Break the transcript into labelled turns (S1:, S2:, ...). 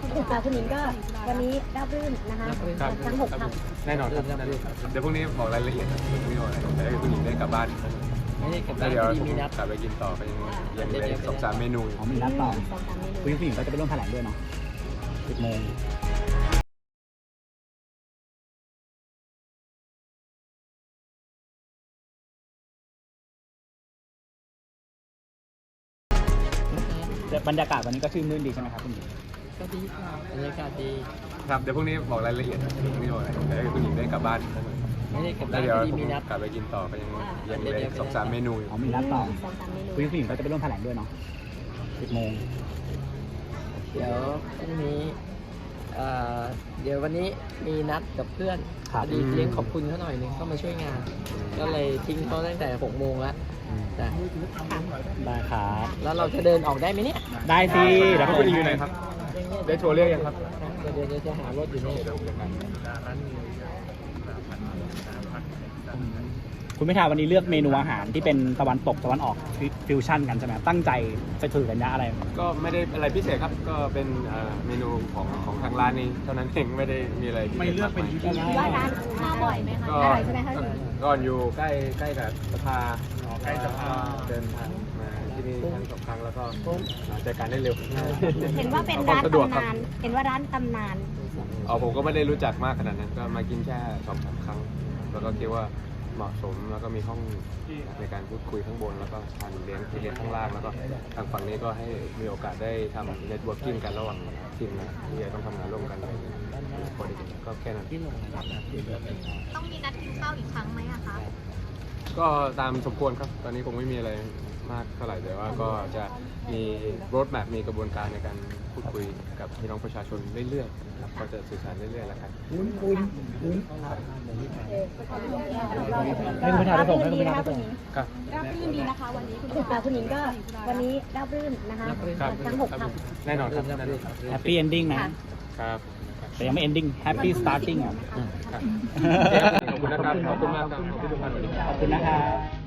S1: คุณหญิงก็วันนี้ราบรื่นนะคะทั้ง6 คำ
S2: แน่นอนครับเดี๋ยวพรุ่งนี้บอกรายละเอียดพรุ่งนี้บอกอะไรแต่ให้คุณหญิงได้กลับบ้าน
S3: ไม่ได้กลับ
S2: แล้
S3: บ้า
S2: วน เดี๋ยว
S3: พอดีมีนัด
S2: กลับไปกินต่อไปยังเหลือ2-3 เมนู
S4: มีนัดต่อ
S1: 2-3 เมนู
S4: คุณผู้หญิงก็จะไปร่วมแถลงด้วยเนาะ10 โมงบรรยากาศวันนี้ก็ชื่นมื่นดีใช่ไหมครับคุณหญิง
S3: ก็ดีค่ะบรรยากาศดี
S2: ครับเดี๋ยวพรุ่งนี้บอกรายละเอียดพรุ่งนี้บอกอะไรแต่ให้คุณหญิงได้กลับบ้าน
S3: ไม่ได้กลับ
S2: แล้
S3: บ้า
S2: วน เดี๋ยว
S3: พอดีมีนัด
S2: กลับไปกินต่อไปยังเหลือ2-3 เมนู
S4: มีนัดต่อ
S1: 2-3 เมนู
S4: คุณผู้หญิงก็จะไปร่วมแถลงด้วยเนาะ10 โมง
S3: เดี๋ยวพรุ่งนี้เดี๋ยววันนี้มีนัดกับเพื่อน
S4: ครับ
S3: พอดีเลี้ยงขอบคุณเขาหน่อยนึงเข้ามาช่วยงาน ก็เลยทิ้งเขาตั้งแต่6 โมงแล้วแต่
S4: ได้ครับ
S3: แล้วเราจะเดินออกได้ไหมเนี่ย
S4: ได้สิเดี๋ยว
S2: แล้ว
S4: เขา
S2: คุณหญิง
S4: อ
S2: อยู่ไหนครับ ได้โทรเรียกยังครับ
S3: เดี๋ยวจะหารถอยู่นี่
S4: คุณพิธาวันนี้เลือกเมนูอาหารที่เป็นตะวันตกตะวันออกฟิวชั่นกันใช่ไหมตั้งใจจะถือกันยะอะไร
S2: ก็ไม่ได้อะไรพิเศษครับก็เป็นเมนูของทางร้านนี้เท่านั้นเองไม่ได้มีอะไรพิเศษ
S4: ไม่เลือกเป็น
S2: มากมาย
S1: ว่าร้านมาบ่อยไหมคะ
S2: ก็
S1: อร่อยใช่ไหมคะคุณหญิง
S2: ก่อนอยู่ใกล้กับสภาใกล้สภาเดินทางมาที่นี่ครั้ง2 ครั้งแล้วก็เจอกันได้เร็ว
S1: เห็นว่าเป็นร้านตำนาน เห็นว่าร้านตำนาน
S2: ผมก็ไม่ได้รู้จักมากขนาดนั้นก็มากินแค่2-3 ครั้ง แล้วก็คิดว่าเหมาะสมแล้วก็มีห้องในการพูดคุยข้างบนแล้วก็ทานเลี้ยงที่เลี้ยงข้างล่างแล้วก็ทางฝั่งนี้ก็ให้มีโอกาสได้ทำเน็ตเวิร์กิ่งกันระหว่างทีมนะที่จะต้องทำงานร่วมกันคนก็แค่นั้น
S5: ต้องมีนัดกินข้าวอีกครั้งไหมอะคะ
S2: ก็ตามสมควรครับ ตอนนี้คงไม่มีอะไรมากเท่าไหร่แต่ว่าก็จะมีโรดแมพมีกระบวนการในการพูดคุยกับพี่น้องประชาชนเรื่อยๆนะครับก็จะสื่อสารเรื่อยๆแล้วกัน
S4: ให้คุณพิธาไปส่งให้คุณพิธาไปส่ง
S2: ครับ
S1: ราบรื่นดีนะคะวันนี้คุณหญิงก็วันนี้ราบรื่นนะคะทั้ง6 คำ
S2: แน่นอนครับ
S4: แฮปปี้เอนดิ้งนะ
S2: ครับ
S4: แต่ยังไม่เอนดิ้งแฮปปี้สตาร์ติ้งอ่ะ
S2: ครับขอบคุณนะครับขอบคุณมากครับขอบคุณทุกท่าน
S4: ขอบคุณนะครับ